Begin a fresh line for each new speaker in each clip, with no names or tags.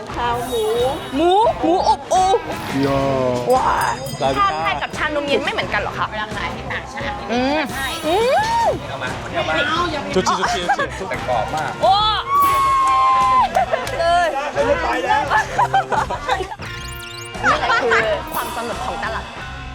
ข้าวหมูอบโอ่ว้าชาไทยกับชานมเย็นไม่เหมือนกันเหรอคะเวลาขายที่ต่างชาติใช่
เอามา좋지แต่กรอบมาก
โอ้เลยไม่ไปแล้วนี่คือความสนุกของตลาด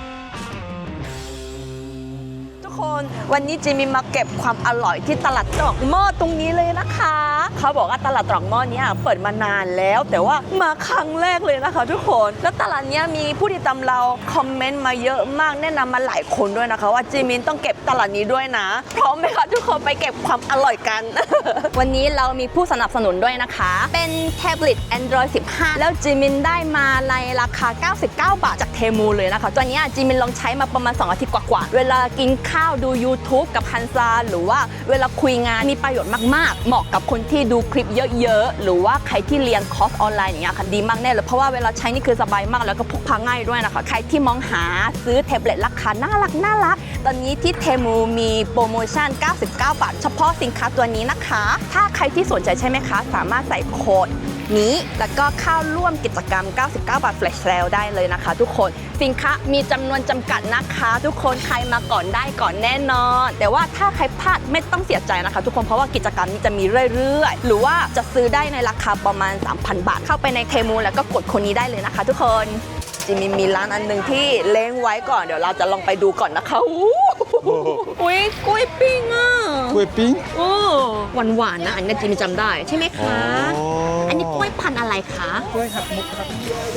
ทุกคนวันนี้จิมินมาเก็บความอร่อยที่ตลาดตรอกหม้อตรงนี้เลยนะคะเขาบอกว่าตลาดตรอกหม้อนี้เปิดมานานแล้วแต่ว่ามาครั้งแรกเลยนะคะทุกคนแล้วตลาดนี้มีผู้ติดตามเราคอมเมนต์มาเยอะมากแนะนำมาหลายคนด้วยนะคะว่าจิมินต้องเก็บตลาดนี้ด้วยนะพร้อมไหมคะทุกคนไปเก็บความอร่อยกัน วันนี้เรามีผู้สนับสนุนด้วยนะคะเป็นแท็บเล็ต Android 15 แล้วจิมินได้มาในราคา99 บาทจากเทมูเลยนะคะตัวนี้จิมินลองใช้มาประมาณ2 อาทิตย์กว่าๆเวลากินข้าวดู YouTube กับฮันซาหรือว่าเวลาคุยงานมีประโยชน์มากๆเหมาะกับคนที่ดูคลิปเยอะๆหรือว่าใครที่เรียนคอร์สออนไลน์อย่างเงี้ยค่ะดีมากแน่เลยเพราะว่าเวลาใช้นี่คือสบายมากแล้วก็พกพาง่ายด้วยนะคะใครที่มองหาซื้อแท็บเล็ตราคาน่ารักตอนนี้ที่เทมูมีโปรโมชั่น99 บาทเฉพาะสินค้าตัวนี้นะคะถ้าใครที่สนใจใช่ไหมคะสามารถใส่โค้ดนี้แล้วก็เข้าร่วมกิจกรรม99 บาท Flash Sale ได้เลยนะคะทุกคนสินค้ามีจำนวนจำกัดนะคะทุกคนใครมาก่อนได้ก่อนแน่นอนแต่ว่าถ้าใครพลาดไม่ต้องเสียใจนะคะทุกคนเพราะว่ากิจกรรมนี้จะมีเรื่อยๆหรือว่าจะซื้อได้ในราคาประมาณ 3,000 บาทเข้าไปในเทมูแล้วก็กดคนนี้ได้เลยนะคะทุกคนจิมินมีร้านอันหนึ่งที่เล้งไว้ก่อนเดี๋ยวเราจะลองไปดูก่อนนะคะอุ้ยกล้วยปิ้งอ่ะ
กล้วยปิ้ง
โอ้หวานๆนะอันนี้จิมินจำได้ใช่ไหมคะอันนี้กล้วยพันธุ์อะไรคะ
กล้วยหักมุกครับ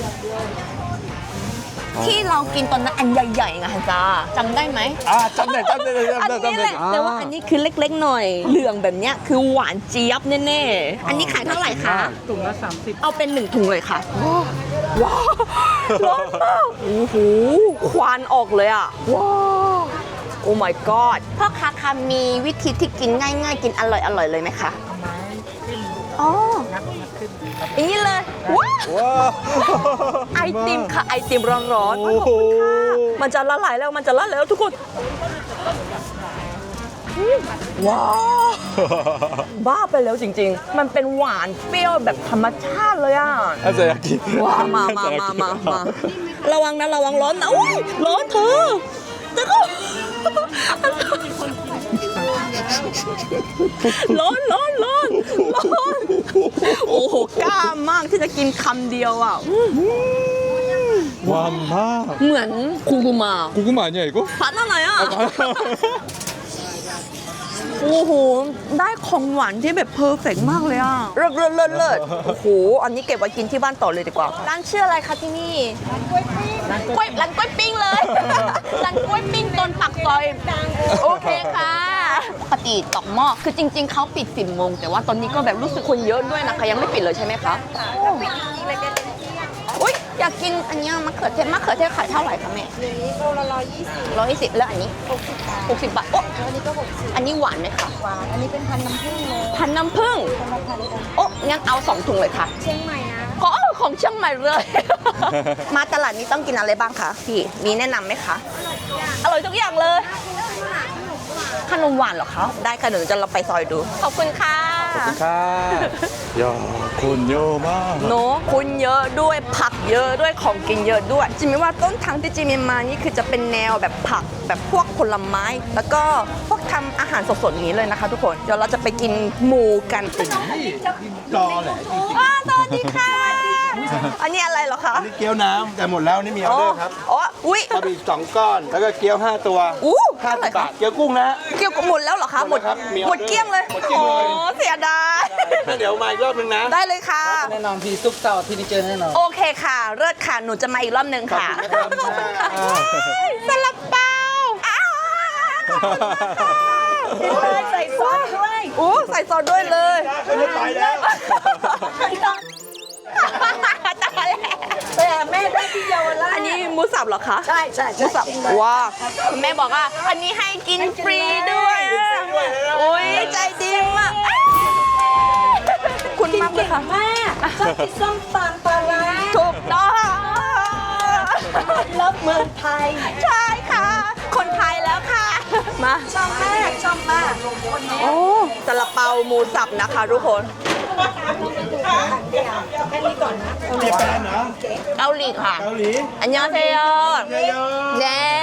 ที่เรากินตอนนั้นอันใหญ่ๆไงฮะจ้าจำได้ไหม
จำได้
อันนี้แหละแต่ว่าอันนี้คือเล็กๆหน่อยเหลืองแบบเนี้ยคือหวานเจี๊ยบแน่ๆอันนี้ขายเท่าไหร่คะ
ถุงละ30
เอาเป็น1 ถุงเลยค่ะว้าวร้อนมากโอ้โหควันออกเลยอ่ะว้าวโอ้ my god พ่อค้าคะมีวิธีที่กินง่ายๆกินอร่อยเลยไหมคะอ๋ออย่างนี้เลยว้าวไอติมค่ะไอติมร้อนๆขอบคุณค่ะมันจะละลายแล้วทุกคนว้าวบ้าไปแล้วจริงๆมันเป็นหวานเปรี้ยวแบบธรรมชาติเลยอ่ะ
อาจจะอยากกิน
ว้ามาระวังนะระวังร้อนนะอุ้ยร้อนเธอแต่ก็ร้อนโอ้โหกล้ามากที่จะกินคำเดียวอ่ะ
หวานมาก
เหมือนคูกุมา
아니야 이거?
พัดอะไรอ่ะโอ้โหได้ของหวานที่แบบเพอร์เฟกต์มากเลยอ่ะเลิศโอ้โหอันนี้เก็บไว้กินที่บ้านต่อเลยดีกว่าร้านชื่ออะไรคะที่นี่ร้านกล้วยปิ้งเลยร้านกล้วยปิ้งต้นปักซอยโอเคค่ะปกติตอกหม้อคือจริงๆเขาปิด10 โมงแต่ว่าตอนนี้ก็แบบรู้สึกคนเยอะด้วยนะคะยังไม่ปิดเลยใช่ไหมคะอุ้ยอยากกินอันนี้มะเขือเทศขายเท่าไหร่คะแม่
นี้โลละ
120แล้วอันนี้60 บาทโอ้
อันนี้ก็60
อันนี้หวานไหมคะ
หวานอันนี้เป็นพันน้ำผึ้งเลย
พันน้ำผึ้งโอ้งั้นเอา2 ถุงเลยค่ะ
เชียงใหม่นะ
ของเชียงใหม่เลย มาตลาดนี้ต้องกินอะไรบ้างคะพี่มีแนะนำไหมคะอร่อยทุกอย่างเลยขนมหวานเหรอคะได้ค่ะเดี๋ยวจะเราไปซอยดูขอบคุณค่ะ
야คนเยอะมาก
เนอะคุณเยอะด้วยผักเยอะด้วยของกินเยอะด้วยจิมิว่าต้นทางที่จิมิมานี่คือจะเป็นแนวแบบผักแบบพวกผลไม้แล้วก็พวกทำอาหารสดๆนี้เลยนะคะทุกคนเดี๋ยวเราจะไปกินหมูกัน
รอแหละ
สวัสดีค่ะอันนี้อะไรเหรอคะ
อันนี้เกี๊ยวน้ำแต่หมดแล้วนี่มีออเดอร์ครับ
อุ้ย
บะหมี่2 ก้อนแล้วก็เกี๊ยว5 ตัว50 บาทเกี๊ยวกุ้งนะ
เกี๊ยวหมดแล้วเหรอคะหมดเกลี้ยงเลยโอ้เสียดาย
เดี๋ยวมาอีกรอบนึงนะ
ได้เลยค่ะ
แน่นอนพี่ซุปเสาร์ที่นี่เจอแน่นอน
โอเคค่ะเลิศค่ะหนูจะมาอีกรอบนึงค่ะขอบคุณค่ะซาลาเปาใส่ซอสด้วยใส่ซอสด้วยเลย
ไม่ไปแล้ว
แต่แม่ได้ที่เยาวราชอันนี้หมูสับเหรอคะ
ใช่
หมูสับว้าคุณแม่บอกว่าอันนี้ให้กินฟรีด้วยโอ้ยใจดีมากคุณมากเลยค่ะ
แม่ชอบกินส้มตำปลาร้า
ถูกต้อง
เลิฟเมืองไทย
ใช่ค่ะคนไทยแล้วค่ะมา
ชอบมาก
โอ้ซาลาเปาหมูสับนะคะทุกคน
แค่นี้ก่อนนะ
หลีค่ะ
เกาหลี
อันยองเซโย
เยอะ
เย้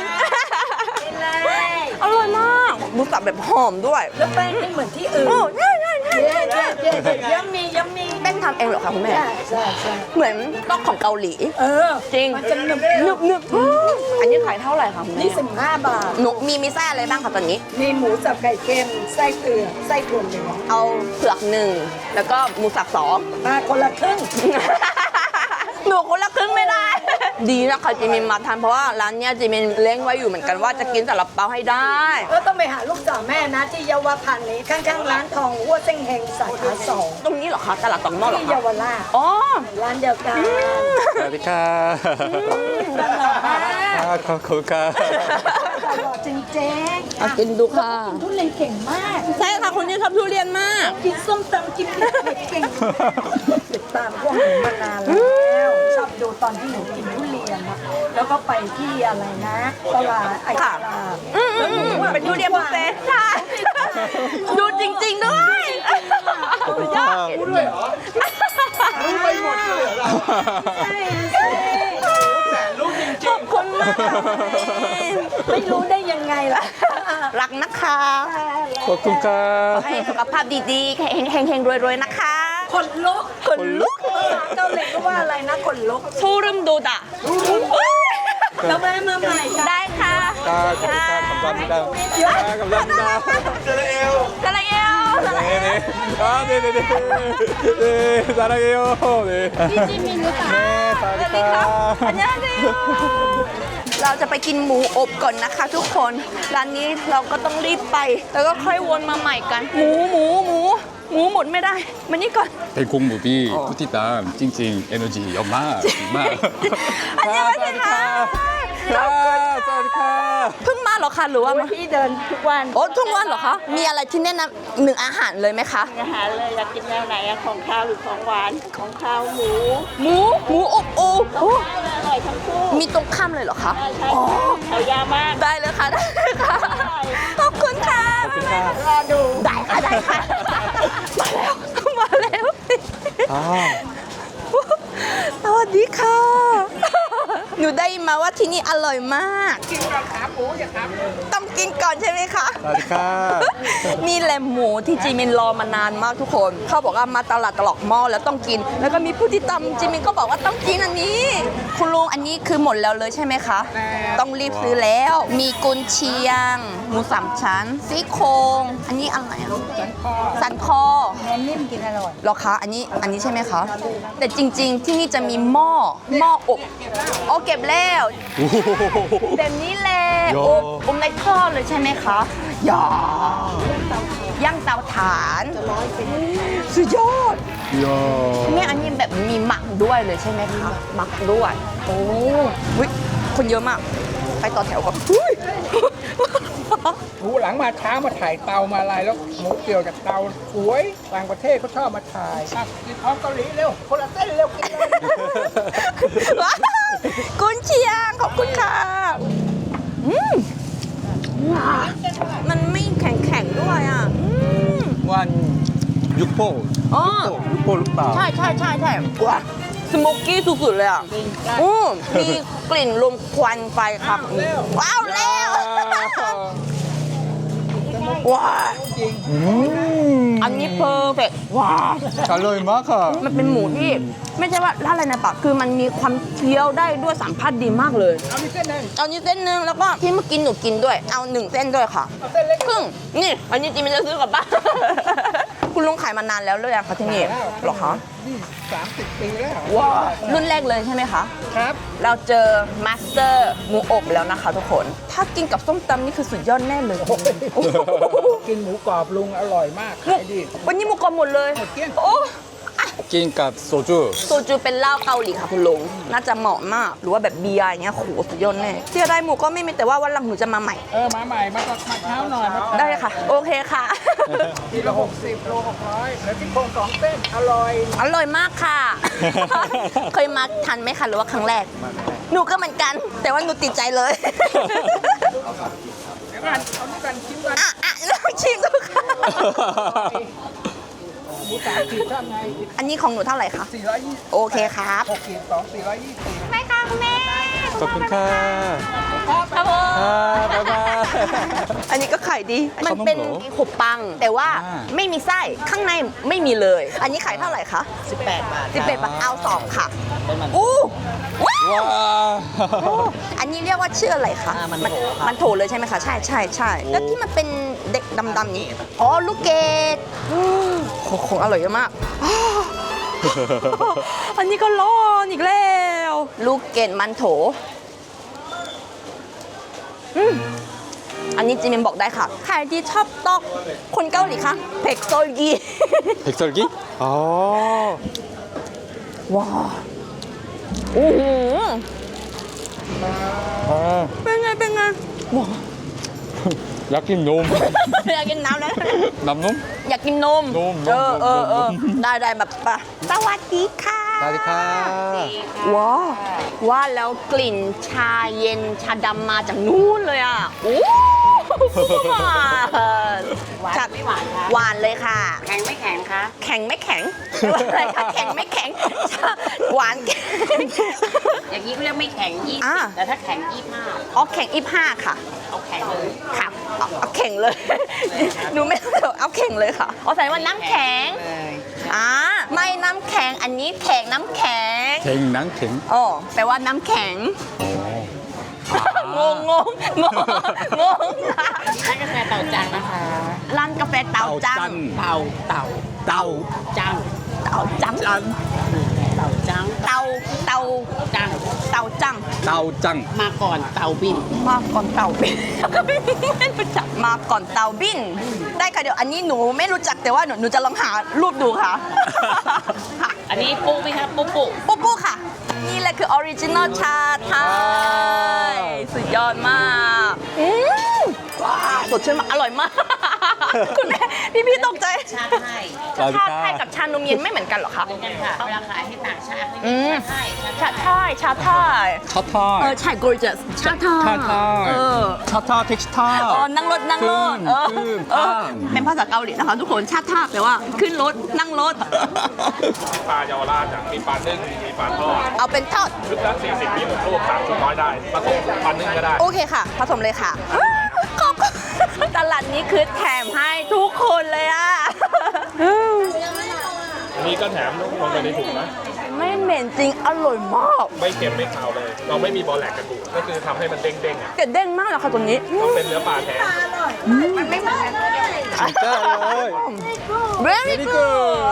อร่อยมากหมูสับแบบหอมด้วย
แล้วแป้งไม่เหมือนที่อื่น
โอ้ใช่ใช่ใช่
เย้เย้เย้ยัมมี่ยัมมี่
แป้งทำเองเหรอคะคุณแม่
ใช่ใช่ใช่
เหมือนต้องของเกาหลี
เออ
จริง
มันจะหนึบ
หนึบหนึบอันนี้ขายเท่าไหร่คะคุณแม่
นี่15 บาท
หนูมีไส้อะไรบ้างคะตอนนี้
มีหมูสับไก่เค็มไส้เผือกไส้ถั่วเหลือง
เอาเผือกหนึ่งแล้วก็หมูสับสอง
มาคนละครึ่ง
หนูคนละครึ่งไม่ได้ ดีนะคะจิมินมาทานเพราะว่าร้านเนี้ยจิมินเล้งไว้อยู่เหมือนกันว่าจะกินซาลาเปาให้ได้
ก็ต้องไปหาลูกสาวแม่นะที่เยาวพันธ์นี้ข้างๆร้านทองวัวเส้งเฮงสาขา2
ตรงนี้เหรอคะตลาดตองหม้อเหรอ
ที่
คะ
เยาวราช
อ๋อ
ร้านเดียวกัน
สวัสดีค่ะ ขอบคุณค่ะ
ตลอดจริงๆ
เอากินดูค่ะ
ทุเรียนเก่งมาก
ใช่ค่ะคุณนี่ชอบทุเรียนมาก
กินส้มตำกินเผ็ดเก่งติดตามพวกหนูมานานแล้วชอบดูตอนที่หนูกินทุเรียนอะแล้วก็ไปที่อะไรนะตลาดไอ้ตลาด
เป็นทุเรียนบุฟเฟ่ต์ใช่ดูจริงๆด้วยยอด
รู้ด้วยเหรอ รู้ไปหมดเลยเหรอเรา
ใช่ใช่
แต่รู้จริง
ขอบคุณมาก
ไม่รู้ได้ยังไงล่ะ
รักนะคะ
ๆขอบคุณค่ะ
ขอให้สุขภาพดีๆเฮงๆรวยๆนะคะ
คนลุก
คนลุก
ภาษาเกาหลีก็ว่าอะไรนะคนลุก
소름돋아
แล้วแม่มาใหม่ค่ะ
ได้ค่ะ
ค่ะขอบคุณค่ะ감사합니다 감사합니다 사랑해요
사랑해요
네네 아 네네네 네 사랑해요 네
이지민 네,
사랑합니다
안녕하세요 เราจะไปกินหมูอบก่อนนะคะทุกคน ร้านนี้เราก็ต้องรีบไป แล้วก็ค่อยวนมาใหม่กัน หมูหมดไม่ได้ มานี่ก่อน
대공무비 푸티땀 찡찡 에너지 연마 마
안녕하세요.
사와디카
เพิ่งมาเหรอคะหรือว่ามา
พี่เดินทุกวัน
โอ้ทุกวันเหรอคะ มีอะไรที่แนะนำหนึ่งอาหารเลยไหมคะ
อาหารเลยอยากกินแนวไหนอะของข้าวหรือของหวานของข้าวหมู
หมูอบโอ้โอ้
อร่อยทั้งคู่
มีตรงข้ามเลยเหรอคะ
ใช่ใช่เอายามาก
ได้เลยค่ะ ได้เลยค่ะ ขอบคุณค่ะ
รอดู
ได้ค่ะ ได้ค่ะ มาแล้ว
아
สวัสดีค่ะ หนูได้ยินมาว่าที่นี่อร่อยมาก
กินกับขาหมูอย่าขาหมู
ต้องกินก่อนใช่ไหมคะ
사와디카
นี่แหละหมูที่จิมินรอมานานมากทุกคน เขาบอกว่ามาตลาดตลอกหม้อแล้วต้องกิน แล้วก็มีผู้ที่ตำจิมินก็บอกว่าต้องกินอันนี้ คุณลุงอันนี้คือหมดแล้วเลยใช่ไหมคะ ต้องรีบซื้อแล้ว มีกุนเชียง หมูสามชั้น ซี่โครงอันนี้อะไรอะสันคอ
แม่นิ่มกินอร่อย
เหรอคะ อันนี้ใช่ไหมคะ แต่จริง ๆ ที่นี่จะมีหม้ออบโอ้เก็บแล้วแบบนี้แหละอบในท่อเลยใช่ไหมคะย่ย่างเตาถ่านสุดยอด
이야
เนี่ยอันนี้แบบมีหมักด้วยเลยใช่ไหมคะหมักด้วยโอ้วิคนเยอะมาก ไปต่อแถวก่อนอุ๊ย
หมูหลังมาช้ามาถ่ายเตามาอะไรแล้วหมูเกี่ยวจากเตาสวยต่างประเทศเขาชอบมาถ่ายอ่ะกินพร้อมเกาหลีเร็วคนละเส้นเร็วกินเลย
ว้าวกุนเชียงขอบคุณค่ะมันไม่แข็งๆด้วยอ่ะ
한 6포
อ๋อ
6포 룩바
ใช่ว้าสโมกกี้สุดๆเลยอ่ะมีกลิ่นลมควันไฟครับ ว้าวแล้วว้าอันนี้เพอร์เฟกว้า
잘로이 마카
มันเป็นหมูที่ไม่ใช่ว่าอะไรนะปะคือมันมีความเคี้ยวได้ด้วยสัมผัสดีมากเลย
เอามีเส้นหนึ่ง
เอานี้เส้นหนึ่งแล้วก็ที่เมื่อกี้หนูกินด้วย เอา1 เส้นด้วยค่ะ
เอาเส้นเล็ก
ครึ่งนี่อันนี้จริงๆมันจะซื้อกลับบ้าน คุณลุงขายมานานแล้วเลยอะคะที่นี่เหรอคะ
นี่30 ปีแล้ว
ว้าวรุ่นแรกเลยใช่ไหมคะ
ครับ
เราเจอมาสเตอร์หมูอบแล้วนะคะทุกคน ถ้ากินกับส้มตำนี่คือสุดยอดแน่เลย
กินหมูกรอบลุงอร่อยมากขายดี
วันนี้หมูกรอบหมดเลย
หมดเกลี้ยง
โอ้
낀값 소주
โซจูเป็นเหล้าเกาหลีค่ะคุณลุง น่าจะเหมาะมาก หรือว่าแบบเบียร์อย่างเงี้ยโหสุดยอดแน่เสียดายหมูก็ไม่มีแต่ว่าวันหลังหนูจะมาใหม่
มาใหม่มาตอนมาเช้าหน่อยมา
ได้ค่ะ โอเคค่ะ
กิโล60โล600แล้วที่โครง2 เส้นอร่อย
อร่อยมากค่ะ เคยมาทันไหมคะหรือว่าครั้งแรก หนูก็เหมือนกัน แต่ว่าหนูติดใจเลย
เดี๋ยวก่อนเอานี่กันชิมกัน
ลองชิมดูค่ะ
หมู3 ขีดเท่าไง
อันนี้ของหนูเท่าไหร่คะ
420
โอเคครับ
6 ขีด2 420
ไม่ค่ะคุณแม่
ขอบคุณค่ะ
ครับผม
บ๊ายบาย
อันนี้ก็ขายดี มันเป็น
ขนมเหรอ
ขบปัง แต่ว่า
อ่า
ไม่มีไส้ข้างในไม่มีเลย อันนี้ขายเท่าไหร่คะ18 บาท18 บาทเอา2ค่ะอู้ว้าว
ว้าว
อันนี้เรียกว่าชื่ออะไรคะมันโถเลยใช่ไหมคะ ใช่ใช่ใช่แล้วที่มันเป็นเด็กดำๆนี้อ๋อลูกเกดของอร่อยเยอะมาก อันนี้ก็ร้อนอีกแล้ว ลูกเกดมันโถอันนี้จิมินบอกได้ค่ะใครที่ชอบตอกคนเกาหลีคะเผ็กโซยี
백설기? 아.
ว้าวโอ้โห
아.
เป็นไงเป็นไงว้าว
약긴 놈.
อยากกินน้ำแล้ว
남놈?
อยากกินนม
นม
เออได้ได้แบบปะสวัสดีค่ะ
사디카.
ว้าวว่าแล้วกลิ่นชาเย็นชาดำมาจากนู้นเลยอ่ะโอ้หวานไม่หวานคะหวานเลยค่ะ
แข็งไม่แข็งคะ
แข็งไม่แข็งอะไรคะแข็งไม่แข็งหวานแข็ง
อย่างนี้เขาเรียกไม่แข็ง
อ่า
20แต่ถ้าแข็ง25
อ๋อแข็ง25ค่ะ
เอาแข็งเลย
ค่ะเอาแข็งเลย หนูไม่เอาแข็งเลยค่ะอ๋อแสดงว่าน้ำแข็ง
เลย
ไม่น้ำแข็งอันนี้แข็งน้ำแข็ง
갱낭갱.
อ๋อแปลว่าน้ำแข็ง งงงงงงง
ร้านกาแฟเต่าจังนะคะ
ร้านกาแฟเต่าจัง
เต่า
따오.
จัง
เต่าจัง
เต่าจัง
เต่าเต่า
จัง
เต่าจัง
따오짱.
มาก่อนเต่าบิน
มาก่อนเต่าบินไม่รู้จักมาก่อนเต่าบิน ได้ค่ะเดี๋ยวอันนี้หนูไม่รู้จักแต่ว่าหนูจะลองหารูปดูค่ะ
อันนี้ปุ๊ไหมคะปุ๊ปุ๊
ปุ๊บปุ๊ค่ะ นี่แหละคือออริจินอลชาไทย สุดยอดมากว้าวสดชื่นมากอร่อยมาก คุณแม่พี่ตกใจ
ชาไทย
ชาไทยกับชานมเย็นไม่เหมือนกันเหรอคะ
เหมือนกันค่ะ เวลาขายให้ต่างชาติเขา
อื
เรีย
ม
กชาไทย
ชาไทยชาไทย
차타.
ใช่ gorgeous ชาไทย เออ
차타 택시타.
อ๋อ นั่งรถ นั่งรถ เออ
ขึ้น
เออ
ข้าม
เป็นภาษาเกาหลีนะคะทุกคน ชาติท่าแปลว่า ขึ้นรถ นั่งรถ
ปลาเยาวราชอะมีปลานึ่งมีปลาทอด
เอาเป็นทอด
ชุดละ40มี6ลูก3ชุดร้อยได้ผสมปลานึ่งก็ได้
โอเคค่ะ ผสมเลยค่ะ ขอบคุณตลาดนี้คือแถมให้ทุกคนเลยอ่ะ
อันนี้ก็แถมลงไปในถุงนะ
ไม่เหม็นจริง อร่อยมาก
ไม่เค็มไม่คาวเลย เราไม่มีบอแหลกกระดูกก็คือทำให้มันเด้งๆอ่ะ
เกดเด้งมากเลยค่ะตัวนี้
ต้องเป็นเนื้อปลาแท้
진짜 어이.
very good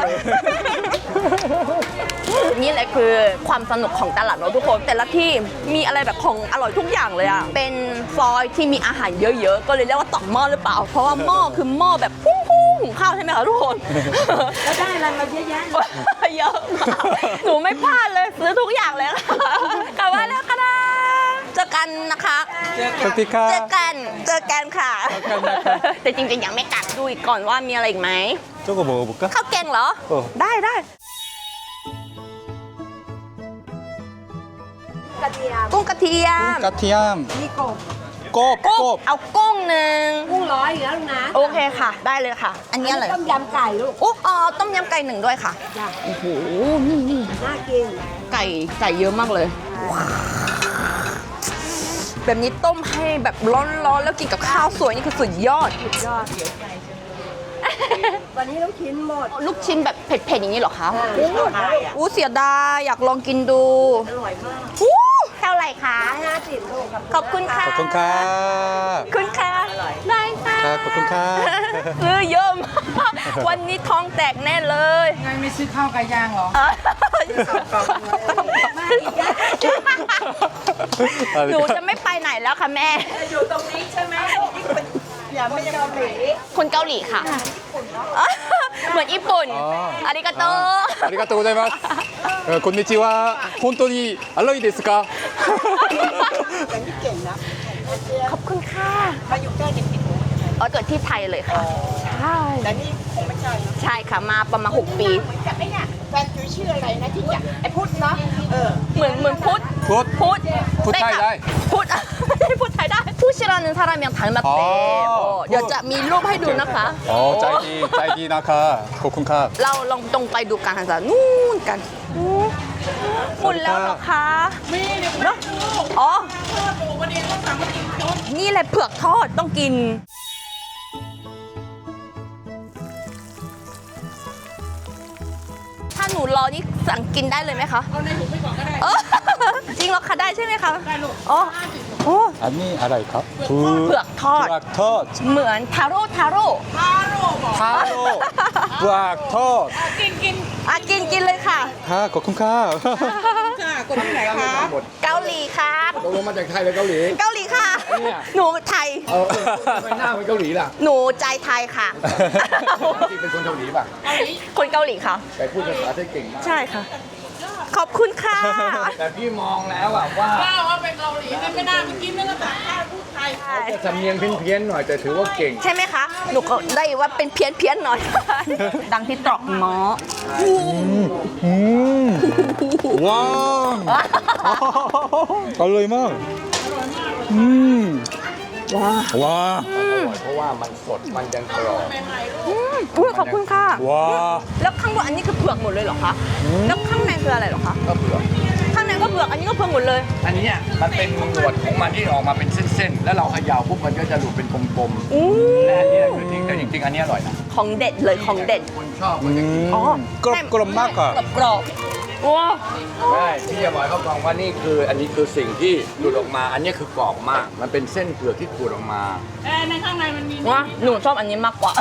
นี่แหละคือความสนุกของตลาดเนอะทุกคน แต่ละที่มีอะไรแบบของอร่อยทุกอย่างเลยอะเป็นซอยที่มีอาหารเยอะๆ ก็เลยเรียกว่าตอกหม้อหรือเปล่า เพราะว่าหม้อคือหม้อแบบพุ่งหุงข้าวใช่ไหมคะทุกคน
แล้วได้อะไรมาเยอะแยะ
เยอะมากหนูไม่พลาดเลยซื้อทุกอย่างเลยค่ะกลับบ้านแล้วค่ะนะเจอกันนะคะ
사디카.
เจอกันค่ะ แต่จริงๆยังไม่กลับดูอีกก่อนว่ามีอะไรอีกไหม
저거 먹어볼까?
ข้าวแกงเหรอ ได้
กระเทียม
กุ้งกระเทียม
까티암.
นี่กบ
꼽,
กุ้ง
꼽.
เอากุ้งหนึ่ง
กุ้งร้อยอีกแล้วลูกนะ
โอเคค่ะ ได้เลยค่ะ อันนี้อะไร
ต้มยำไก่ลูก
อุ๊อ๋อต้มยำไก่หนึ่งด้วยค่ะ
จ้ะ
โอ้โหนี่
น่ากิน
ไก่เยอะมากเลยว้าวแบบนี้ต้มให้แบบร้อนๆแล้วกินกับข้าวสวยนี่คือสุดยอด
ยอด วันนี้ลูกชิ้นหมด
ลูกชิ้นแบบเผ็ดๆอย่างนี้เหรอคะ
หมดแล้ว
อู้เสียดายอยากลองกินดู
อร่อยมาก
อู้เท่าไหร่คะ
50ลูกกับ
ขอบคุณค่ะ
거통카.
คุณค่ะได้ค่ะ
ขอบคุณค่ะ
ซื้อเยอะมากวันนี้ท้องแตกแน่เลย
ไงไม่ซื้อข้าวไก่ย่างเหรอ
หนูจะไม่ไปไหนแล้วค่ะแม่
อยู่ตรงนี้ใช่ไหมอย่าไม่เกาหลี
คนเกาหลีค่ะ เหมือนญี่ปุ่น อาริกาโต
아리가또 고자이마스. 곤니치와. 혼돈이 알로이 데스까?
ขอบคุณค่ะ
มาอยู่ใกล้เด็กติดหู
เกิดที่ไทยเลยค่ะ ใช่
แต่นี่คงไม่ใช่นะ
ใช่ค่ะมาประมาณ6 ปี
เหมือนกับไอ้เนี่ยแฟนจุ๋ยชื่ออะไรนะที่จะไอ้พุทธเนาะเห
มือนพุทธ
굿.
พุทธ
พุทธไทยได้
พุทธ ไม่ใช่พุทธไทยได้ ผู้ 씨라는 사람이랑 닮았대. ดี๋ยวจะมีรูปให้ดูนะคะ
짤기 나카 코쿤캅
เราลองตรงไปดูกันค่ะจ้ะนู่นกันหมดแล้วเหรอคะเนอะอ๋อนี่แหละเผือกทอดต้องกิน ถ้าหนูรอนี่สั่งกินได้เลยไหมคะ เอาในถุงไปก่อนก็ได้จริงเหรอคะได้ใช่ไหมคะได้ลูกอ๋อโอ้
아니 알아이캅
เผือกทอด
부악텄
เหมือนทาโร่ทาโร่
타로 부악텄
อ่ะกินเลยค่ะ
하 코쿤캅
เกาหลีครับ
ตกลงมาจากไทยหรือเกาหลี
เกาหลีค่ะ
เนี่ย
หนูไทย
ทำไมหน้าเป็นเกาหลีล่ะ
หนูใจไทยค่ะ
จริงเป็นคนเกาหลีป่ะ
คนเกาหลีค่ะ
แต่พูดภาษาไทยเก่งมาก
ใช่ค่ะ ขอบคุณค่ะ
แต่พี่มองแล้วอะว่า
ว่าเป็นเกาหลีไม่น่าไปกินเนื้อต่างชาติพูดไทย
จะสำเนียงเพี้ยนๆหน่อยแต่ถือว่าเก่ง
ใช่ไหมคะ หนูก็ได้ว่าเป็นเพี้ยนๆหน่อย ดังที่ตรอกหมอ
와 알로이망 와
เพราะว่ามันสดมันยังกรอบ
อุ้ยขอบคุณค่ะ
와
แล้วข้างบนอันนี้คือเผือกหมดเลยเหรอคะ แล้วข้างในคืออะไรเหรอคะ
ก็เผือก
ข้างในก็เผือก อันนี้ก็เผือกหมดเลย
อันเนี้ยมันเป็นหนวดของมันที่ออกมาเป็นเส้นๆ แล้วเราเขย่าปุ๊บมันก็จะหลุดเป็นกลม
อู้
ๆและอันเนี้ยคือจริงแต่จริงๆอันเนี้ยอร่อยนะ
ของเด็ดเลยของเด็ด
คนชอบมันจะกิน
อ๋อ
그럼
กรอบว้า
ได้พี่จะบอกให้เขาฟังว่านี่คืออันนี้คือสิ่งที่หลุดออกมา อันเนี้ยคือกรอบมาก มันเป็นเส้นเผือกที่ขูดออกมา
ในข้างในมันมี
ว้าหนูชอบอันนี้มากกว่า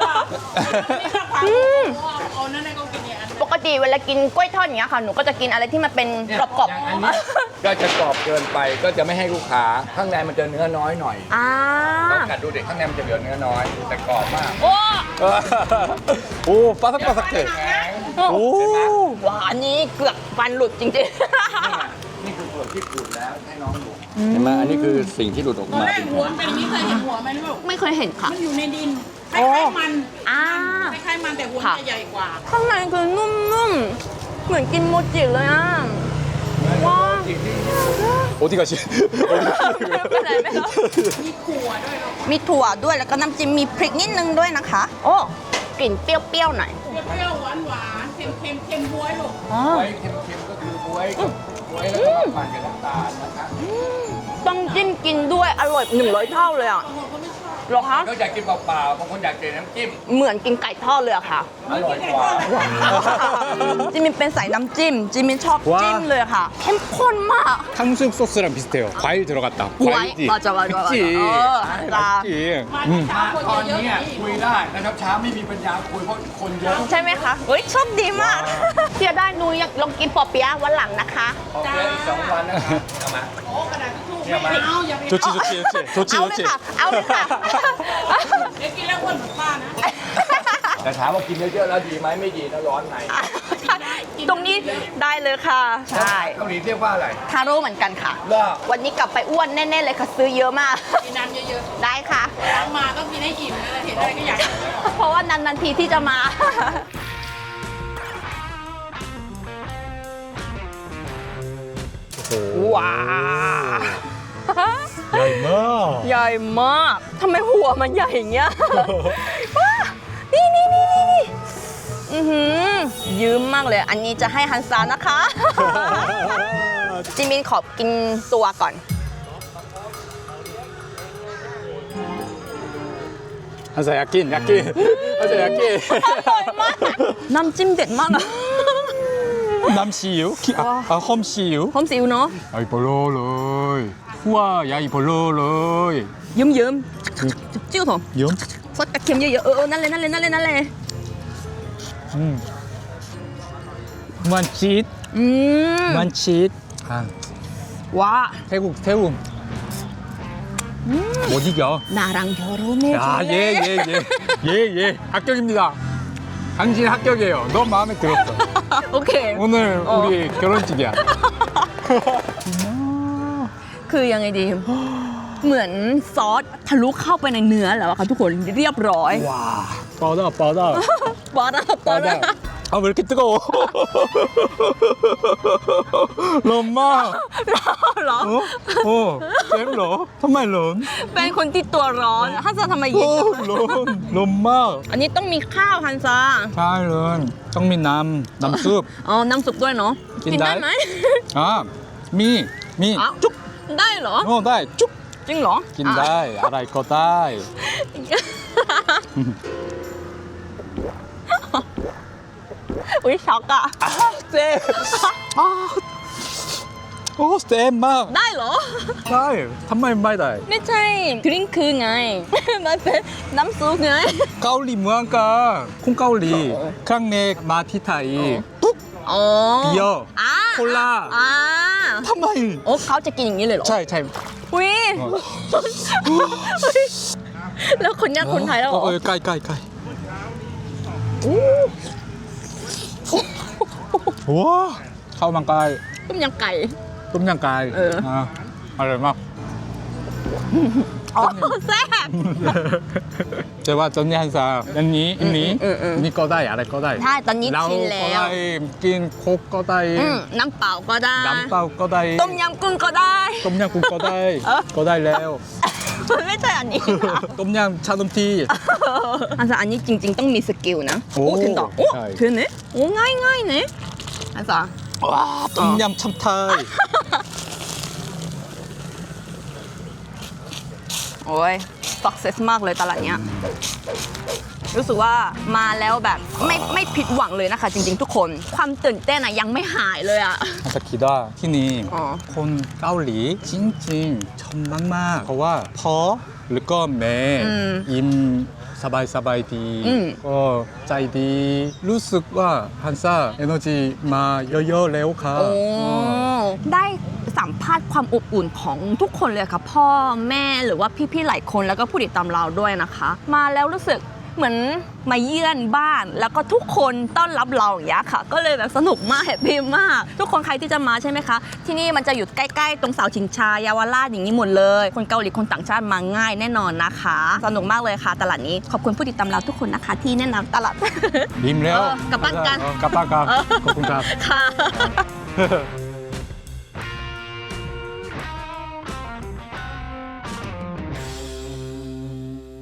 เอานั่นในก็กินเนี่ยอัน
ปกติเวลากินกล้วยทอดอย่างเงี้ยค่ะ หนูก็จะกินอะไรที่มันเป็น
เนี่ย
กรอบ
อย่างอันนี้ก็จะกรอบเกินไปก็จะไม่ให้ลูกค้า ข้างในมันจะเนื้อน้อยหน่อย
อ่า
ลองกัดดูเด็กข้างในมันจะเหลือเนื้อน้อย แต่กรอบมาก
โอ้
오 바삭바삭해
แข็ง
오
ว้าอันนี้เกือบฟันหลุดจริง
นี่คือเผือกที่ขูดแล้วให้น้องดูเห็นไหมอันนี้คือสิ่งที่หลุดออกมาเป็น
หัวมันเป็นอย่างนี้เคยเห็นหัวไหมลูก
ๆ ไม่เคยเห็นค่ะ
มันอยู่ในดินคล้ายๆมัน
อ่า
คล้ายๆมันแต่หัว
ค่ะ
จะใหญ่กว่า
ข้างในคือนุ่มๆ เหมือนกินโมจิเลยอ่ะ ว้า
어디 가시
ไปไหนไม่รู้มีถั่วด้วยแล้วก็น้ำจิ้มมีพริกนิดนึงด้วยนะคะ โอ้กลิ่นเปรี้ยวๆหน่อย
เปรี้ยวๆหวานๆเค็มๆบ๊วยลูก
อ๋อ
บ๊วยเค็มๆก็คือบวยกับบวยแล้วก็มาปั่นกับน้ำตาลนะคะ
ต้องจิ้มกินด้วยอร่อย100 เท่าเลยอ่ะเหรอคะ
ก็อยากกินเปล่าๆบางคนอยากกินน้ำจิ้ม
เหมือนกินไก่ทอดเลยอะค่ะ
อร่อยกว่า
จิมินเป็นสายน้ำจิ้ม จิมินชอบจิ้มเลยค่ะ เข้มข้นมาก
탕수육 소스랑 비슷해요 과일 들어갔다 과일지
맞아.
그치
맞아.
맛있지
ตอนนี้คุยได้นะครับเช้าไม่มีปัญญาคุยเพราะคนเยอะ
ใช่ไหมคะเฮ้ยโชคดีมากเที่ยวได้หนูอยากลองกินปอเปี๊ยะวันหลังนะคะ
ออกเดือนอีก2 วันนะครับเอามา
โอ้กระดาษทิชชู่ไม่เอาอย่าไป
좋지 좋지
เอาเลยค่ะ เอาเลยค่ะ
เดี๋ยวกินแล้วอ้วนเหมือนป้านะ
แต่ถามว่ากินเยอะๆแล้วดีไหมไม่ดีนะร้อนใน
ตรงนี้ได้เลยค่ะ ใช่
เกาหลีเรียกว่าอะไร
ทาโร่เหมือนกันค่ะ
ล่า
วันนี้กลับไปอ้วนแน่ๆเลยค่ะ ซื้อเยอะมาก
กินน้ำเยอะ
ได้ค่ะ
ๆล้างมาต้องกินให้อิ่มนะเห็นอะไรก็อยากกิน
เพราะว่านานๆทีที่จะมา ว้าว
야이마
ใหญ่มากทำไมหัวมันใหญ่อย่างเงี้ย ว้านี่อือหือยืมมากเลย อันนี้จะให้ฮันซานะคะ จิมินขอกินตัวก่อน
한사 야낀 한사 야낀
น้ำจิ้มเด็ดมากอะ
남씨유 험씨유
หอมสิวเนาะ
아이 볼로로이 우와 야이 볼로로이
เยิ้มๆจิ้วเถอะ
염
ซดกระเทียมเยอะๆนั่นเลย
만칫
อืม
만칫 아
ว้า
태국 못 이겨
나랑 결혼해
야예예예 합격입니다 당신 합격이에요 너무 마음에 들었어
โอเค
오늘 우리 결혼식이야
คือยังไงดี เหมือนซอสทะลุเข้าไปในเนื้อแล้วอะค่ะทุกคนเรียบร้อย
와 뻗어
ปอดา
뻗어 아, 왜 이렇게 뜨거워? 럼마.
เหรอ
쌤러. 정말 런.
เป็นคนที่ตัวร้อนฮันซาทำไมเย็นจังเลย
럼마.
อันนี้ต้องมีข้าวฮันซา
잘 런. 정민 남숲.
อ๋อน้ำซุปด้วยเนาะ
กิน
กินได้
ได้
ไหม
아, 미.
อ้าว
쭉.
ได้เหรอ
다. 쭉.
จริงเหรอ
긴 다이. 알아이 거 다이.
อุ้ยช็อกอะ
쌤. 아. 오, 쌤 막.
ได้เหรอ
다이. 한마리 마이 다이.
ไม่ใช่ดริงคือไง มันเป็นน้ำซุปไง
까울리 무한가. 콩까울리. 크랑넥 마티타이. 뚝.
อ๋อ
비어.
อ่า
콜라.
อ่า
한마리.
โอ้เขาจะกินอย่างนี้เลยเหรอ
차이 차이.
อุ้ยแล้วคนยากคนไทยแล้วเหรอ
까이 까이 까이. 와. 카오만 까이.
ต้มยำไก่
똠양 까이. 아. 알아 막.
อ๋อแซ่บ
제가 전니 한사. 언니 언니. 언니 거다이 알아 거다이.
ใช่ตอนนี้
라오
ชินแล้ว
거다이. 낀 콕 거다이.
น้ำเปล่าก็ได้
남바오 거다이.
ต้มยำกุ้งก็ได้
똠양 국 거다이. 거다이 레오.
มันไม่ใช่อันนี้นะ
똠양 차돔티.
อันซาอันนี้จริง ๆ ต้องมีสกิลนะ
โอ้
โอ้ถึงต่อโอ้
ใช่
ถึงเนี่ยโอ้ง่ายง่ายๆเนี่ยอันซา
와, 똠양 참타이.
โอ้ย success มากเลยตลาดเนี้ยรู้สึกว่ามาแล้วแบบไม่ผิดหวังเลยนะคะ จริง ๆ ทุกคนความตื่นเต้นอะยังไม่หายเลยอะ
한사 기다 티니
어.
콘 까울리 찡찡 천막막 거와 퍼 르꺼 매임 사바이 사바이 디 짜이디 루스와 한사 에너지 마 여여 레오카
โอ้ได้สัมภาษณ์ความอบอุ่นของทุกคนเลยค่ะ พ่อแม่หรือว่าพี่ๆหลายคนแล้วก็ผู้ติดตามเราด้วยนะคะ มาแล้วรู้สึกเหมือนมาเยือนบ้าน แล้วก็ทุกคนต้อนรับเราอย่างเงี้ยค่ะ ก็เลยแบบสนุกมากแฮปปี้มาก ทุกคนใครที่จะมาใช่ไหมคะ ที่นี่มันจะอยู่ใกล้ๆตรงเสาชิงช้าเยาวราชอย่างนี้หมดเลย คนเกาหลีคนต่างชาติมาง่ายแน่นอนนะคะ สนุกมากเลยค่ะ ตลาดนี้ขอบคุณผู้ติดตามเราทุกคนนะคะ ที่แนะนำตลาด
림 레오
까빵깐.
까빠까 거군가
ค่ะ